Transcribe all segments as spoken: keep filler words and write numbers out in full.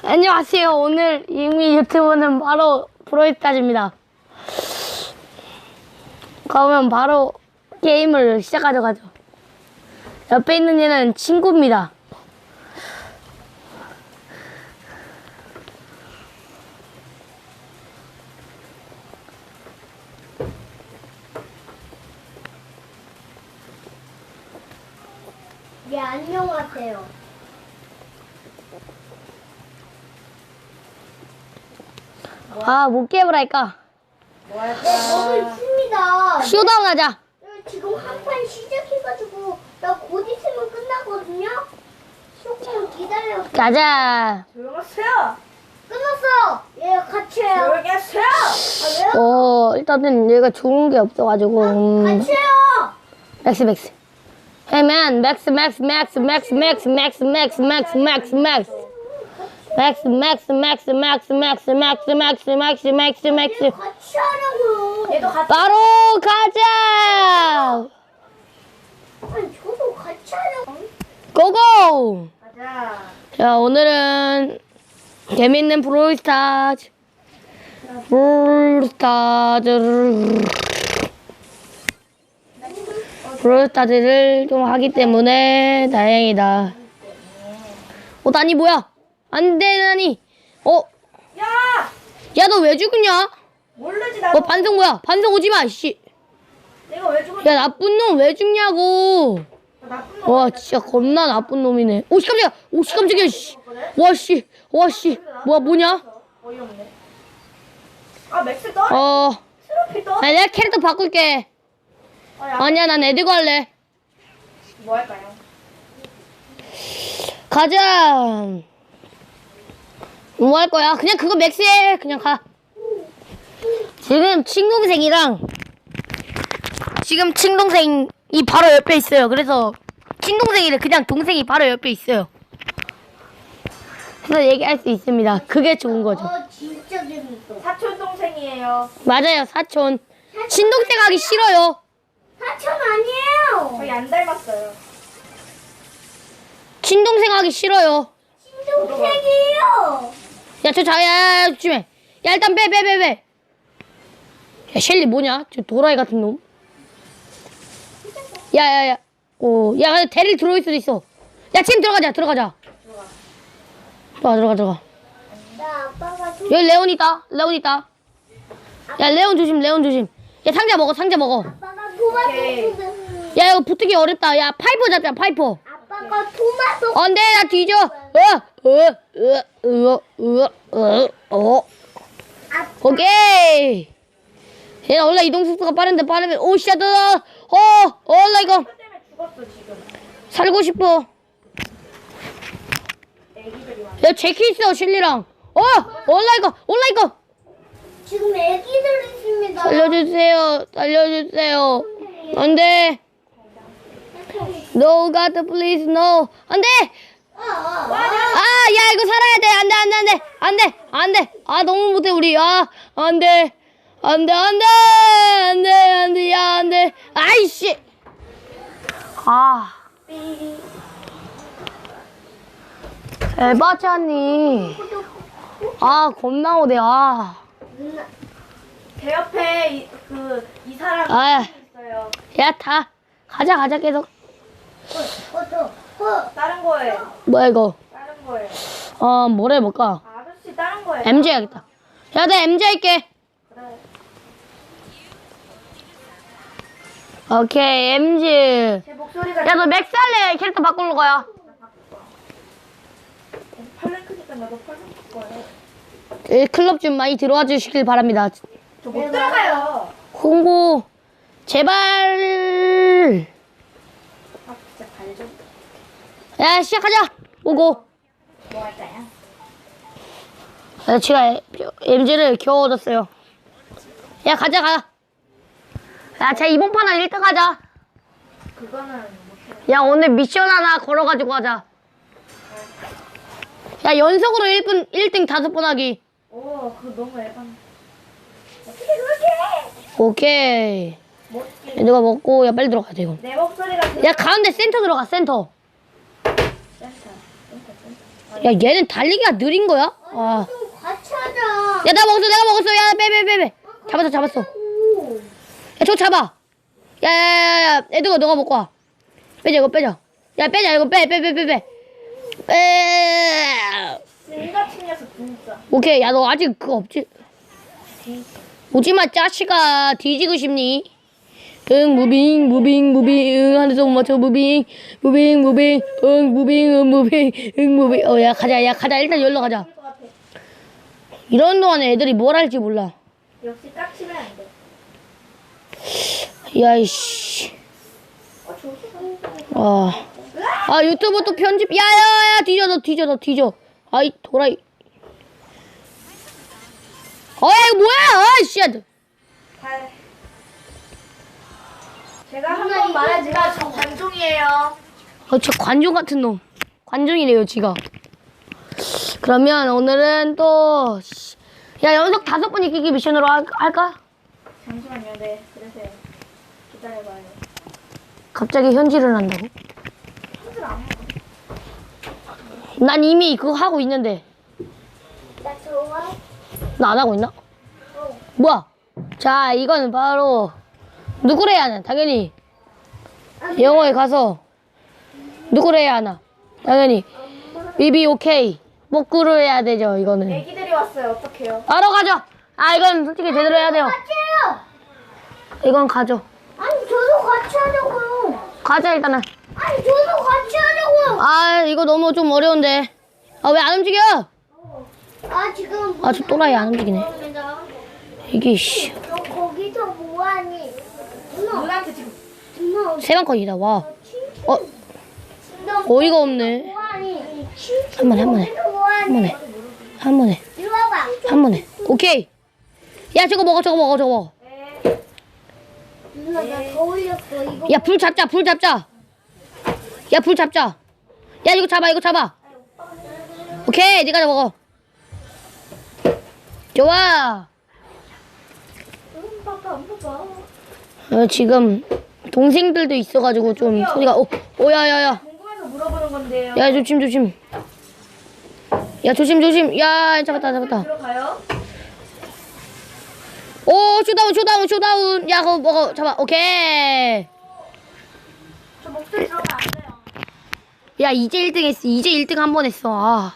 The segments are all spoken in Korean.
안녕하세요. 오늘 이미 유튜브는 바로 브로이스타즈입니다. 그러면 바로 게임을 시작하도록 하죠. 옆에 있는 얘는 친구입니다. 예, 안녕하세요. 아, 뭐 게임을 할까? 네, 저도 있습니다. 쇼다운 하자. 지금 한 판 시작해가지고 나 곧 있으면 끝나거든요. 조금만 기다려. 가자. 조용하세요. 끝났어. 예, 같이 해요. 조용히 하세요. 아, 왜요? 어, 일단은 얘가 좋은 게 없어가지고. 음, 같이 해요. 맥스, 맥스. 해면, 맥스, 맥스, 맥스, 맥스, 맥스, 맥스, 맥스, 맥스, 맥스, 맥스. 맥스, 맥스, 맥스, 맥스, 맥스, 맥스, 맥스, 맥스, 맥스, 맥스. 같이 하라고요. 얘도 같이. 바로 가자! 아니, 저도 같이 하라고. 고고! 가자. 자, 오늘은 재밌는 브롤스타즈. 브롤스타즈를. 브롤스타즈를 좀 하기 때문에 다행이다. 어, 나니 뭐야? 안 돼, 나니. 어, 야! 야, 너 왜 죽냐? 모르지 나도. 어, 반성 뭐야? 반성 오지 마, 씨. 내가 왜 죽었지? 야, 나쁜 놈 왜 죽냐고. 나쁜 놈. 와, 진짜 겁나 나쁜 놈이네. 오, 씨, 깜짝이야. 오, 씨, 깜짝이야, 씨. 와, 씨. 와, 씨. 뭐야, 뭐냐? 어이없네. 아 맥스 떠? 어, 트로피 떠? 아, 내가 캐릭터 바꿀게. 아, 야. 아니야, 난 애들고 할래. 뭐 할까요? 가자. 뭐 할 거야? 그냥 그거 맥스해. 그냥 가. 지금 친동생이랑 지금 친동생이 바로 옆에 있어요. 그래서 친동생이래. 그냥 동생이 바로 옆에 있어요. 그래서 얘기할 수 있습니다. 그게 좋은 거죠. 어, 진짜 재밌어. 사촌 동생이에요. 맞아요, 사촌. 친동생 하기 싫어요. 사천 아니에요. 저희 안 닮았어요. 친동생 하기 싫어요. 친동생이에요. 야, 저 자야 조심해. 야, 일단 빼, 빼, 빼, 빼. 야, 셸리 뭐냐? 저 도라이 같은 놈. 야, 야, 야. 오, 야, 근데 대를 들어올 수도 있어. 야, 지금 들어가자, 들어가자. 들어가, 들어가, 들어가. 나 아빠가 좀 여기 레온 있다, 레온 있다. 야, 레온 조심, 레온 조심. 야, 상자 먹어, 상자 먹어. 아빠가 토마토 오케이. 주는. 야, 이거 붙기 어렵다. 야, 파이퍼 잡자, 파이퍼. 아빠가 토마토. 안 돼, 나 뒤져. 어, 어, 어, 어, 어, 어, 어. 아빠. 오케이. 얘 원래 이동 속도가 빠른데 빠르면 오 씨, 너, 어, 어, 나 이거 그 때문에 죽었어 지금. 살고 싶어. 애기들이 왔. 야, 제키 있어, 실리랑. 어, 올라 이거, 올라 이거. 지금 애기들 있습니다. 살려주세요, 살려주세요. 안 돼. No, God, please, no. 안 돼. 아, 아. 아, 야, 이거 살아야 돼. 안 돼, 안 돼, 안 돼, 안 돼, 안 돼. 아, 너무 못해 우리. 아, 안 돼, 안 돼, 안 돼, 안 돼, 안 돼, 야, 안 돼. 아이씨. 아. 에바잖니. 아, 겁나 오대. 아. 제 옆에 그 이 사람 아. 있어요. 야, 다. 가자, 가자, 계속. 어, 저, 어. 다른 거예요. 뭐야, 이거. 다른 거예요. 어, 뭘 해볼까? 아, 아저씨 다른 거예요. 엠지 해야겠다. 야, 나 엠지 할게. 그래. 오케이, 엠지. 제 목소리가 야, 너 맥스 할래? 캐릭터 바꾸는 거야. 팔른 크니까 나도 팔른 거예요. 이 클럽 좀 많이 들어와 주시길 바랍니다. 저 못 들어가요. 홍보, 제발. 아 진짜 발 좀. 야, 시작하자. 오고. 뭐 할까요? 야, 제가 엠지를 겨우 얻었어요. 야, 가자, 가. 야, 쟤 이번 판은 일 등 하자. 그거는 못해요. 야, 오늘 미션 하나 걸어가지고 하자. 야, 연속으로 일 분, 일 등 다섯 번 하기. 오, 그거 너무 애반. 어떻게 그렇게 해? 오케이. 못. 누가 먹고, 야, 빨리 들어가야 돼, 이거. 내 목소리가 야, 가운데 센터 들어가, 센터. 센터. 센터. 같은. 야, 얘는 달리기가 느린 거야? 아. 좀 같이 하자. 야, 나 먹었어, 내가 먹었어. 야, 빼, 빼, 빼, 빼. 잡았어, 잡았어. 야, 오. 저거 잡아. 야, 야, 야, 야. 애들아, 너가 먹고 와. 빼자, 이거 빼자. 야, 빼자, 이거 빼, 빼, 빼, 빼, 빼. 빼. 쓴같은 녀석 진짜. 오케이, 야, 너 아직 그거 없지? 오지마, 짜식아. 뒤지고 싶니? 응, 무빙, 무빙, 무빙, 응, 하늘도 못 맞춰, 무빙, 무빙, 무빙, 응, 무빙, 응, 무빙, 응, 무빙. 어, 야, 가자, 야, 가자. 일단 열로 가자. 것 같아. 이런 동안에 애들이 뭘 할지 몰라. 역시 깍치면 안 돼. 야, 이씨. 어, 좋았어. 아, 아, 유튜브 또 편집. 야, 야, 야, 뒤져, 너 뒤져, 너 뒤져. 아이, 도라이. 어, 야, 이거 뭐야? 아이씨. 발. 제가 한 번 말하지만 저 관종이에요. 어, 저 관종 같은 놈. 관종이래요, 지가. 그러면 오늘은 또, 씨. 야, 연속 다섯 번 이기기 미션으로 할, 할까? 잠시만요. 네, 그러세요. 기다려봐요. 갑자기 현질을 한다고? 손질 안 먹어. 난 이미 그거 하고 있는데. 나 좋아. 나 안 하고 있나? 뭐야? 자, 이거는 바로, 누구를 해야 하나? 당연히. 영어에 가서, 누구를 해야 하나? 당연히. 비비 오케이. 목구를 해야 되죠, 이거는. 애기들이 왔어요. 어떡해요? 바로 가죠! 아, 이건 솔직히 제대로 해야 돼요. 같이 해요. 이건 가죠. 아니 저도 같이 하자고요. 가자, 일단은. 아니 저도 같이 하자고요. 아, 이거 너무 좀 어려운데. 아, 왜 안 움직여? 아 지금 아, 저 또라이 안 움직이네. 이게, 씨. 너 거기서 뭐하니? 누나 누나한테 지금 누나 세방컷이다, 와. 어, 너 어이가 없네. 뭐하니? 한 번에, 한 번에. 거기서 뭐하니? 한 번에. 한 번에. 이리 와봐. 한 번에. 오케이. 야, 저거 먹어, 저거 먹어, 저거 먹어. 누나 나 더 올렸어. 이거 야, 불 잡자, 불 잡자. 야, 불 잡자. 야, 이거 잡아, 이거 잡아. 오케이, 네가 다 먹어. 좋아. 음, 봐봐, 안 봐봐. 어, 지금 동생들도 있어가지고 좀 소리가 오, 오야야야. 궁금해서 물어보는 건데요. 야, 조심 조심. 야, 조심 조심. 야, 잡았다 잡았다. 들어가요? 오, 쇼다운 쇼다운 쇼다운. 야, 그거 먹어. 잡아. 오케이. 저 목소리 들어가면 안 돼요. 야, 이제 일 등 했어. 이제 일 등 한 번 했어. 아.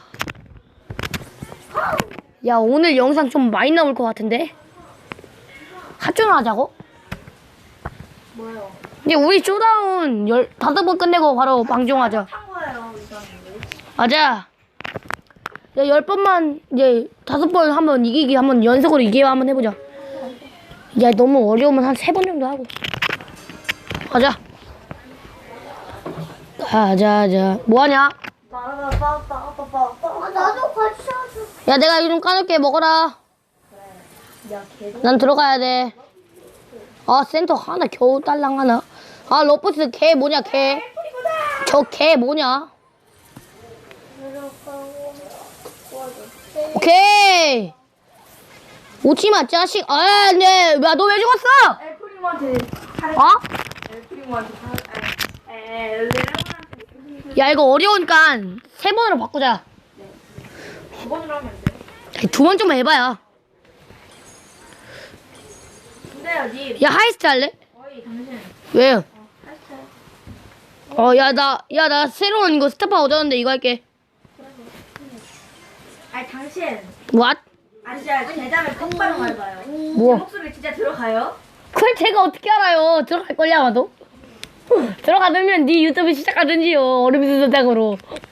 야, 오늘 영상 좀 많이 나올 것 같은데? 합주를 하자고? 뭐요? 이제 우리 쇼다운 열, 다섯 번 끝내고 바로 방종하자. 탄 거예요, 이거는. 맞아. 야, 열 번만, 이제 다섯 번 한번 이기기, 한번 연속으로 이기기 한번 해보자. 야, 너무 어려우면 한 세 번 정도 하고. 가자. 가자, 자. 뭐하냐? 아, 나도 같이 하자. 야, 내가 이거 좀 까놓게 먹어라. 야, 걔도. 난 들어가야 돼. 아, 센터 하나 겨우 딸랑 하나. 아, 러버스 개 뭐냐, 개. 저 개 뭐냐. 오케이. 오지마, 짜식. 아, 네. 야, 너 왜 죽었어? 엘프리모한테 잘. 어? 엘프리모한테 잘. 에, 엘레몬한테 야, 이거 어려우니까 세 번으로 바꾸자. 두 번으로 하면 안 돼. 두 번 좀 해봐야. 근데요, 님. 야, 하이스트 할래? 어이, 당신. 왜요? 하시죠. 어, 야, 나, 야, 나 새로운 이거 스타파 얻었는데 이거 할게. 아니, 당신. What? 아, 진짜 대답을 똑바로 말해봐요. 제 뭐? 목소리 진짜 들어가요? 그걸 제가 어떻게 알아요? 들어갈걸요, 아마도? 들어가면 네 유튜브 시작하든지요. 얼음이 수전장으로.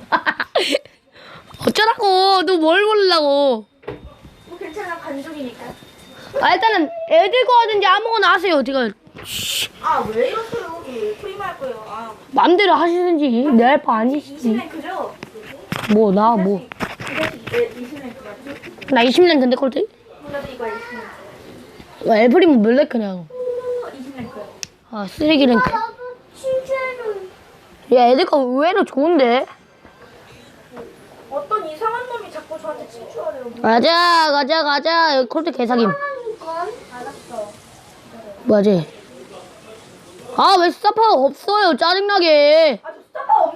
어쩌라고. 너 뭘 모르려고. 뭐 괜찮아, 관종이니까. 아, 일단은 애들 거 하든지 아무거나 하세요. 제가 아, 왜 이러세요? 프리마 할 거예요. 아, 맘대로 하시든지 내 할 바 아니시지. 이십 랭크죠? 뭐, 나 뭐. 이십 랭크 맞지? 나 이십 년 된대 콜트? 몰라도 이거 이십 랭크. 와, 엘프리모 몇 랭크냐고. 이십 랭크. 아, 쓰레기 랭크. 나도 칭찬을. 야, 애들 거 의외로 좋은데? 어떤 이상한 놈이 자꾸 저한테 친추하래요. 가자, 가자, 가자. 여기 콜트 개사김. 건 알았어. 뭐지? 아, 왜 스타파가 없어요? 짜증나게. 아, 저 스타파 없는